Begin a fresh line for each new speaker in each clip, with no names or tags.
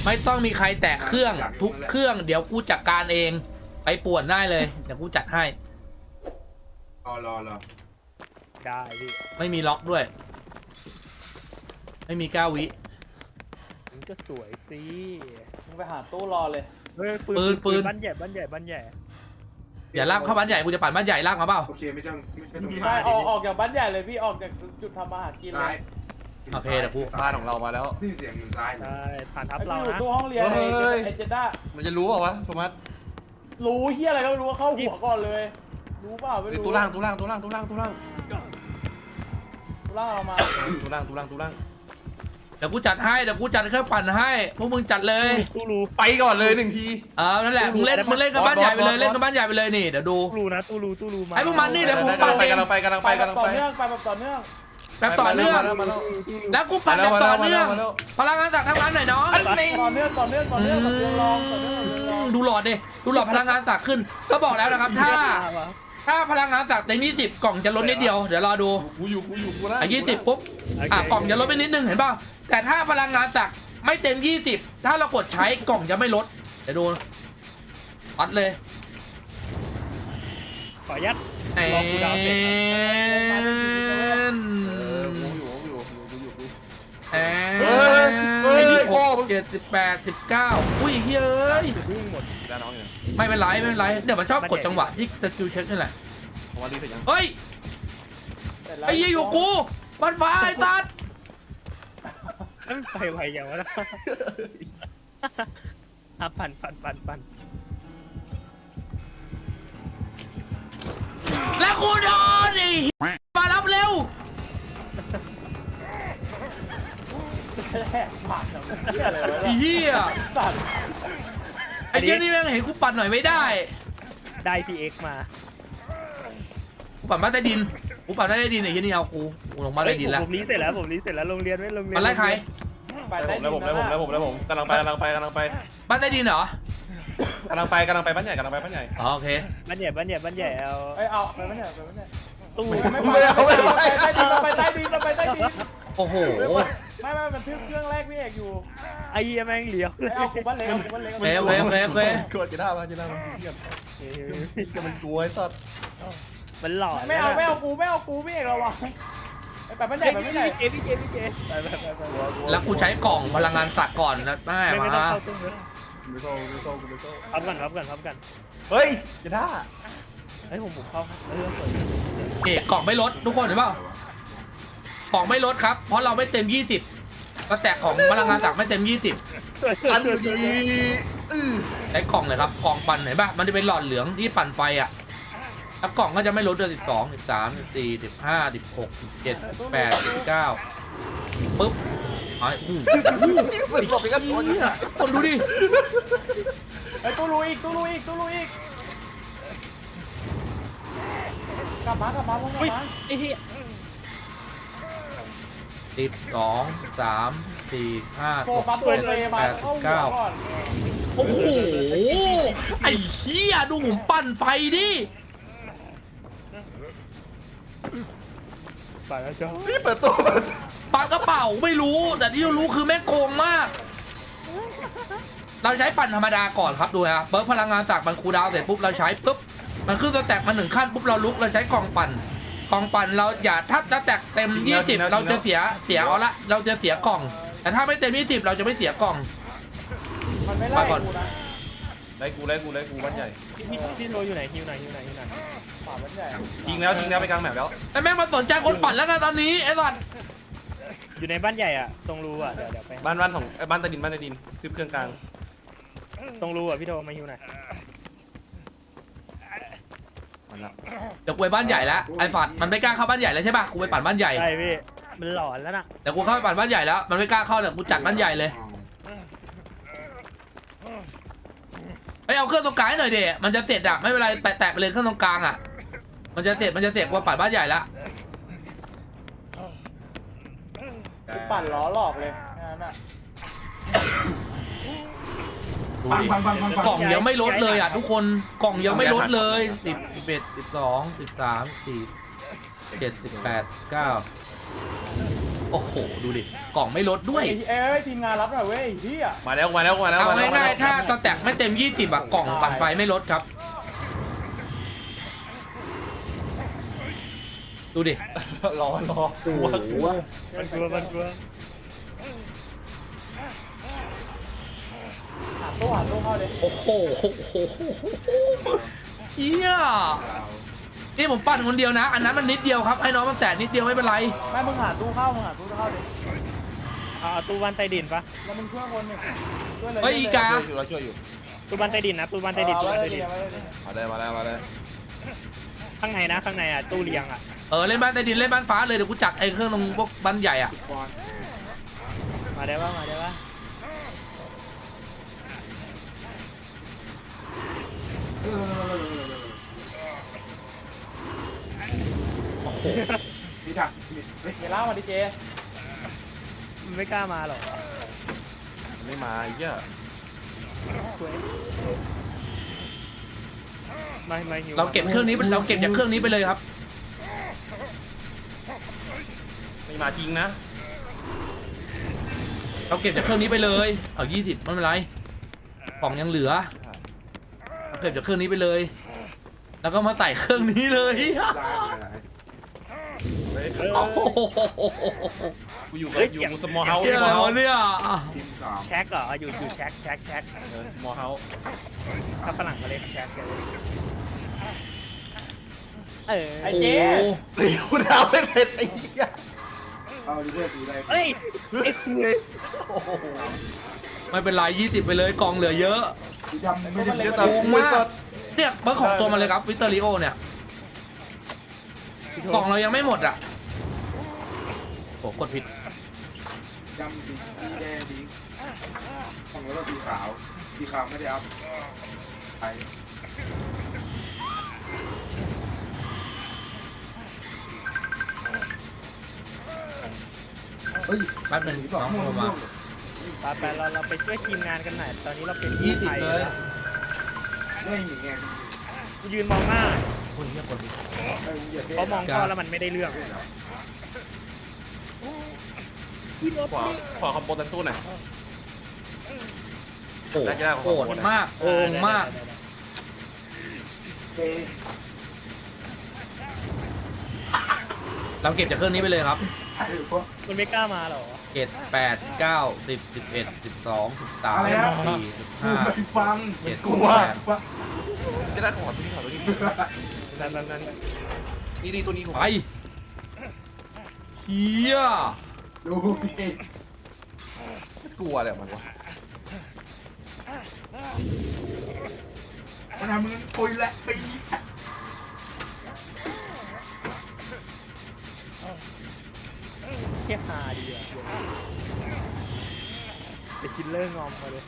ไม่ต้องมีใครแตะเครื่องทุกเครื่องเดี๋ยวกูจัดการเองไปป่วนได้เลยเดี๋ยวกูจัดให้
รอ
ได้พี่
ไม่มีล็อกด้วยไม่มี9 วิ
มันก็สวยสิ
มึงไปหาตู้รอเลย
ปืนบ้านใหญ่บ้านใหญ่
อย่าลากเข้าบ้านใหญ่กูจะปั่นบ้านใหญ่ลากมาเปล่า
โอเคไม่ต้อง
ไม่ออกจากบ้านใหญ่เลยพี่ออกจากจุดทำอาหารกินเลย
โอเคเดี๋ยวกู
บ้านของเรามาแล้ว
นี่เสียงมือซ้าย
ใช่ผ่านทับ
ไอ้
เรา
อยู่
นะ
ตู้ห้องเรียนไอ้เจด้า
มันจะรู้เปล่าวะโทมัส
รู้เฮียอะไรก็ไม่รู้ว่าเข้าหัวก่อนเลยรู้เปล่าไม่รู้
ตู้ล่าง
ตู้ล่างเรามา
ตู้ล่าง
เดี๋ยวกูจัดให้เดี๋ยวกูจัดเครื่องปั่นให้พวกมึงจัดเลย
ตู้รู
ไปก่อนเลย1 ที
นั่นแหละมึงเล่นกับบ้านใหญ่ไปเลยเล่นกับบ้านใหญ่ไปเลยนี่เดี๋ยวดู
ตู้รูนะตู้รูมา
ไอ้พวกมันนี่เดี๋ยวผมปั่นเอง
กำลังไป
ต่อเนื่องไปแบบต่อเนื่อง
แบบต่อเนื่องแล้วกูปั่นแบบต่อเนื่องพลังงานสักทำงานหน่อยน้อง
ต่อเนื่องแบบเรื่องรองต่อเนื่องแบบเรื่องรอง
ดูหลอดดิดูหลอดพลังงานสักขึ้นก็บอกแล้วนะครับถ้าพลังงานสักเต็ม20กล่องจะลดนิดเดียวเดี๋ยวรอดู
กูนะ
20ปุ๊บกล่องจะลดไปนิดนึงเห็นป่ะแต่ถ้าพลังงานสักไม่เต็ม20ถ้าเรากดใช้กล่องจะไม่ลดเดี๋ยวดูวัดเลย
ขอยัด
แอน
กูอยู่
แอน26 27 18 19อุ้ยเฮ้ย
วิ่งหมด
แล้วน้องอยู่
ไม่เป็นไรเดี๋ยวมันชอบกดจังหวะที่สกิลเช็คนี่แหละ
ผมว่ารีบเสร็จยัง
เฮ้ยไอ้ยี่อยู่กูมันฟ้าไอ้สัตว์
นั่นไฟไวอย่างวะนะปั่น
แล้วกูโดนไอ้มารับเร็ว
แหกปากแบบเฮียอะไรวะ
ไอ้เหี้ย
สัตว์
ไอ้เหี้ยนี่แม่งเห็นกูปั่นหน่อยไม่ได้
ได้ PX มา
กูปั่นบ้านใต้ดินไอ้เหี้ยนี่เอากูลงบ้านใต้ดินแล้ว
ผมรีเสร็จแล้วโรงเรียนไม่โรงเรียน
มันไล่ใคร
ไปได้ดิน
แล้วผมกำลังไป
บ้านใต้ดินเหรอก
ำลังไปบ้านใหญ่
อ๋อโอเค
บ้านใหญ่เอา
เอาไปไม่ใช่ไปไม่ใช่
ตู้
ไปใต้ดิน
โอ้โห
ไม่มันทึบเครื่องแรกพี่เอกอยู่
ไอ้เหี้ยแม่งเหลียว
เอากูบ้านเล็ก
โอเค
กดจะได้มันเทียบจะมันกลัวไอ้สัตว์
มันหล่อ
ไม่เอากูพี่เอกระวังไปบ้านใหญ่ไปบ้านใหญ่
พี่เจไป
แล้วกูใช้กล่องพลังงานสักก่อนนะแม่
ไม่
มา
ต้องเข้าตู้เลยพับกัน
เฮ้ยจะได้
เฮ้ยผมเข้าเรื่องสวย
กล่องไม่ลดทุกคนเห็นเปล่ากล่องไม่ลดครับเพราะเราไม่เต็ม20ก็แตกของพลังงานสักไม่เต็ม20
อันดี
ใช้กล่องเลยครับกล่องปั่นเห็นป่ะมันจะเป็นหลอดเหลืองที่ปั่นไฟอ่ะแล้วกล่องก็จะไม่ลดเลย12 13 14 15 16 17 18 19ปึ๊บไอ้
มันหลบไปกันตัวนี้
คนดูดิ
ไอ้ตู้ลุยอีกกลับมาพวกกลับมา
ไอ้เหี้ย
12 13 14
โฟ
15
กัสตัวเลยมาเข้าหัวก่อน
โอ้โหไอ้เหี้ยดูผมปั่นไฟดิ
ไปแล้วจ้า
นี่เปิดตัว
ปากกระเป๋าไม่รู้แต่ที่รู้คือแม่งโกงมาก เราใช้ปั่นธรรมดาก่อนครับดูฮะเบิร์กพลังงานจากมันคูลดาวน์เสร็จปุ๊บเราใช้ปุ๊บมันขึ้นสแต็กมา1ขั้นปุ๊บเราลุกเราใช้กล่องปั่นเราอย่าถ้าสแต็กเต็ม20เราจะเสียเอาละเราจะเสียกล่อง แต่ถ้าไม่เต็ม20เราจะไม่เสียกล่อง
มันไม่ไล่กูนะ
ไล่กูบ้านใหญ่
พี่โรอยู่ไหนฮิวไหน
ฝ่าบ้านใหญ่
ทิ้งแล้วไปกลางแมปแล้ว
แต่แม่งมาสนใจคนปั่นแล้วนะตอนนี้ไอ้สัตว์
อยู่ในบ้านใหญ่อ่ะตรงรูอ่ะเดี๋ยวไป
บ้านของบ้านใต้ดินคือเครื่องกลาง
ตรงรูอ่ะพี่โทมาฮิวหน่อย
เดี๋ยวกูไปบ้านใหญ่แล้วไอ้สัตว์มันไม่กล้าเข้าบ้านใหญ่แล้วใช่ป่ะกูไปปั่นบ้านใหญ่
ใช่พี่มันหลอนแล้วน่ะ
เดี๋ยวกูเข้าไปปั่นบ้านใหญ่แล้วมันไม่กล้าเข้าเดี๋ยวกูจัดบ้านใหญ่เลยเอาเครื่องตรงกลางให้หน่อยเดะมันจะเสร็จอะไม่เป็นไรแตะไปเลยเครื่องตรงกลางอะมันจะเสร็จกว่าปั่นบ้านใหญ่ละ
ปั่นล้อหลอกเลยนั่นน่ะ
ดูดิกล่องยังไม่ลดเลยอะทุกคนกล่องยังไม่ลดเลย10 11 12 13 14 17 18 19 โอ้โหดูดิกล่องไม่ลดด้วย
เอ้ยทีมงานรับหน่อยเว้ยเฮีย
มาแล้ว
เอาง่ายๆถ้าสแต็กไม่เต็ม20อะกล่องปั่นไฟไม่ลดครับดูดิ
รอหัว
มันกลัว
หาตู้เข้าเลย
โอ้โหเฮียนี่ผมปั่นคนเดียวนะ อันนั้นมันนิดเดียวครับให้น้องมันแตะนิดเดียวไม่เป็นไร
แม่มึงหาตู้เข้าเลย
เอาตู้บ้านใต้ดินปะ
แล้วมึงช่วยคนหนึ่งช่วยเลย
เฮ้ยอีกา
เราช่วยอยู่
ตู้บ้านใต้ดินนะตู้บ้านใต้ดินตู้บ้านใต้ดิน
มาเลย
ข้างในนะข้างในอ่ะตู้เรียงอ่ะ
เล่นบ้านใต้ดินเล่นบ้านฟ้าเลยเดี๋ยวกูจัดไอ้เครื่องตรงพวกบ้านใหญ่อะ
มาได้ปะมาได้ปะ
มีถักเฮ้ย
เดี๋ยวเล่ามาดิเจ
มันไม่กล้ามาหรอก
ไม่มาไอ้เหี้ย
ไม่หิว
เราเก็บเครื่องนี้เราเก็บจากเครื่องนี้ไปเลยครับ
ไม่มาจริงนะ
เราเก็บจากเครื่องนี้ไปเลยเอา20ไม่เป็นไรกล่องยังเหลือเราเก็บจากเครื่องนี้ไปเลย แล้วก็มาไต่เครื่องนี้เลย โอ้โห
กูอยู่สมอลเฮาส์
เหี้ยอะไรวะเนี่ย
ทีมสาม
แช็คเหรออยู่แช็ค
สมอลเฮาส์
ถ้าฝรั่งเขาเรียกแช็คกัน
ไอ้
โอ้
เจ
โห
เลี้ยวดาวไม่เป็นไอ้เหี้ย
เอาดิเพื่อนสีอะไร
เฮ้ยไอ้คุย
ไม่เป็นไร20ไปเลยกล่องเหลือเยอะ
สีดำไม่ได้
เหี้ย
โกงมากเนี่ยเบอร์ของตัวมันเลยครับวิเตอริโอเนี่ยกล่องเรายังไม่หมดอ่ะโอ้กดผิด
ดำสีแดงสีของแล้วก็สีขาวไม่ได้อัพไป
เฮ้ยแป๊บนึงน้องโทรมา
ไปเราไปช่วยทีมงานกันหน่อยตอนนี้เราเป็น
20เลย
ไม่มีไง
กูยืนมองหน้า
โอ้ยเหี้ยกดผิด
เพราะมองพ่อแล้วมันไม่ได้เรื่อง
ขอคอมโบตันตู้หน่อย
โอ้โหโหดมากโกงมาก เราเก็บจากเครื่องนี้ไปเลยครับ
มันไม่กล้ามาหรอ
7 8 9 10 11 12 13
อะไรนะ
14
ฟัง
15
กลัว
ฟัง
จะได้ขอตัวนี้นั่นนี่ตัวนี้
ไปเฮีย
ดูดิ
กลัวเลยมันวะ
มันทำมึงปุยและปี
เทียบหาดีอ่ะไปคิดเรื่องงอมมาเลย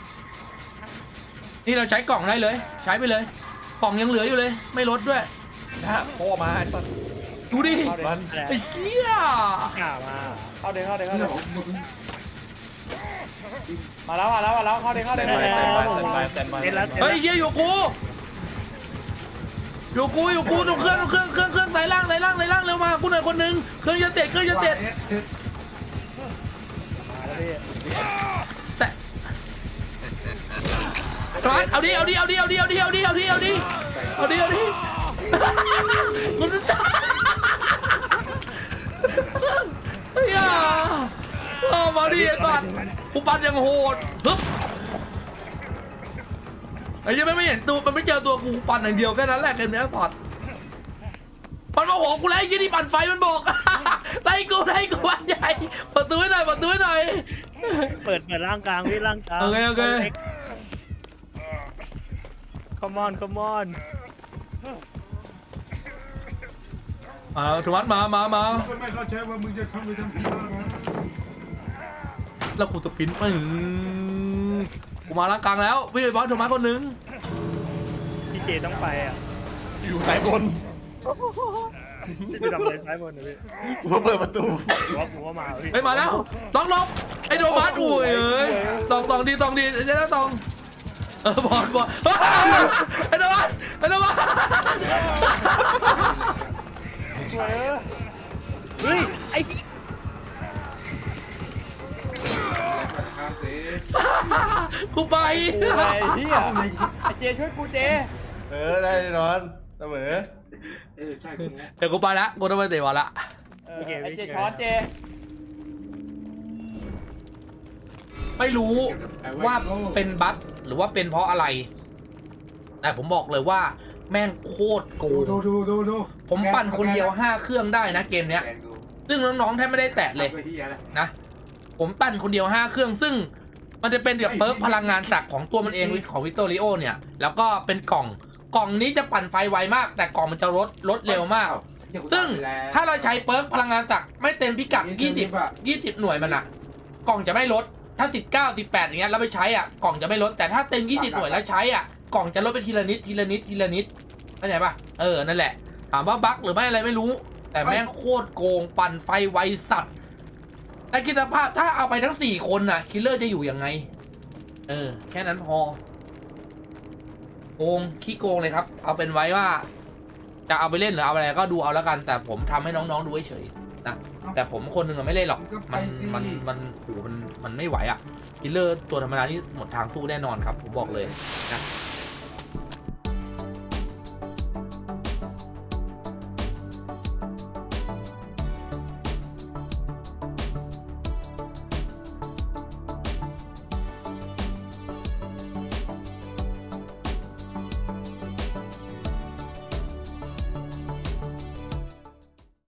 นี่เราใช้กล่องได้เลย ใช้ไปเลย กล่องยังเหลืออยู่เลย ไม่ลดด้วย
ถ้าพ่อมาไอ้ต้น
ดูดิ
มัน
ไอ้เหี้ย
กล้ามา
เข้าเดี๋ยว
เรื่องของมึง
มาแล้วเข้าเดี๋ยว
แตนบาย
เล่นแล้ว
เฮ้ยเหี้ยอยู่กูตรงเครื่องสายล่างเร็วมากูหน่อยคนหนึงเครื่องจะเสร็จ
แล้วพี่
แต่ร้านเอาดิมันตายเฮียมาดิไอ้สัตว์กูปั่นยังโหดฮึบไอ้ยังไม่เห็นตัวมันไม่เจอตัวกูปั่นอย่างเดียวแค่นั้นแหละเกมนี้สัตว์มันมาโหกูไล่ยี่ที่ปั่นไฟมันบอก ไล่กูวันใหญ่ประตูให้หน่อย
เปิดร่างกลางพี่ร่างกลาง
โอเค
Come on
ธวัฒน์มา
ไม่เข้าใจว่ามึงจะทำไปทำที่อะไร
แล้วกูสปรินต์กูมาล่างกลางแล้ววิ่งไปบอสธวัฒน์คนหนึง
พี่เจต้องไปอ่ะ
อยู่สายบน
พี่จะทำอะไรซ้ายบนนะพี่
กูเปิดประตู
ผมว่ามาพี่
เฮ้ยมาแล้วล็อกไอ้โดมัสอุ้ยตองดีเจ๊นะตองบอลไอ้โดมัส
เฮ้ยไอ้
กูไป
กูไอ้เหี้ยไอ้เจช่วยกูเจ
ได้แน่นอนเสมอ
ใช่กูรู้
เดี๋ยวกูไปละกูต้องไปเตะบอลละ
ไอ้เจช้อนเจ
ไม่รู้ว่าเป็นบั๊กหรือว่าเป็นเพราะอะไร แต่ผมบอกเลยว่าแม่งโคตรโกง
ดู
ผมปั่นคนเดียว5 เครื่องได้นะเกมเนี้ย
แกงดู
ซึ่งน้องๆแทบไม่ได้แตะเลย
อาไปที่อะไร
นะ ผมปั่นคนเดียว5 เครื่อง ซึ่งมันจะเป็นเดี๋ยวเปิร์กพลังงานศักดิ์ของตัวมันเองของวิกตอริโอเนี่ย แล้วก็เป็นกล่องนี้จะปั่นไฟไวมาก แต่กล่องมันจะลดเร็วมาก ซึ่งถ้าเราใช้เปิร์กพลังงานศักดิ์ไม่เต็มพิกัด20หน่วยมันอะกล่องจะไม่ลด ถ้า19 18อย่างเงี้ยแล้วไปใช้อ่ะกล่องจะไม่ลด แต่ถ้าเต็ม20หน่วยแล้วใช้อ่ะกล่องจะลดไปทีละนิดเข้าใจปะนั่นแหละถามว่าบั๊กหรือไม่อะไรไม่รู้ แต่แม่งโคตรโกงปั่นไฟไวสัตว์แต่คิดสภาพถ้าเอาไปทั้ง4 คนน่ะคิลเลอร์จะอยู่ยังไงแค่นั้นพอโกงขี้โกงเลยครับ เอาเป็นไว้ว่า จะเอาไปเล่นหรือเอาอะไรก็ดูเอาแล้วกัน แต่ผมทำให้น้องๆดูเฉยๆนะแต่ผมคนหนึ่งไม่เล่นหรอกมันไม่ไหวอ่ะคิลเลอร์ตัวธรรมดานี่หมดทางสู้แน่นอนครับผมบอกเลยนะ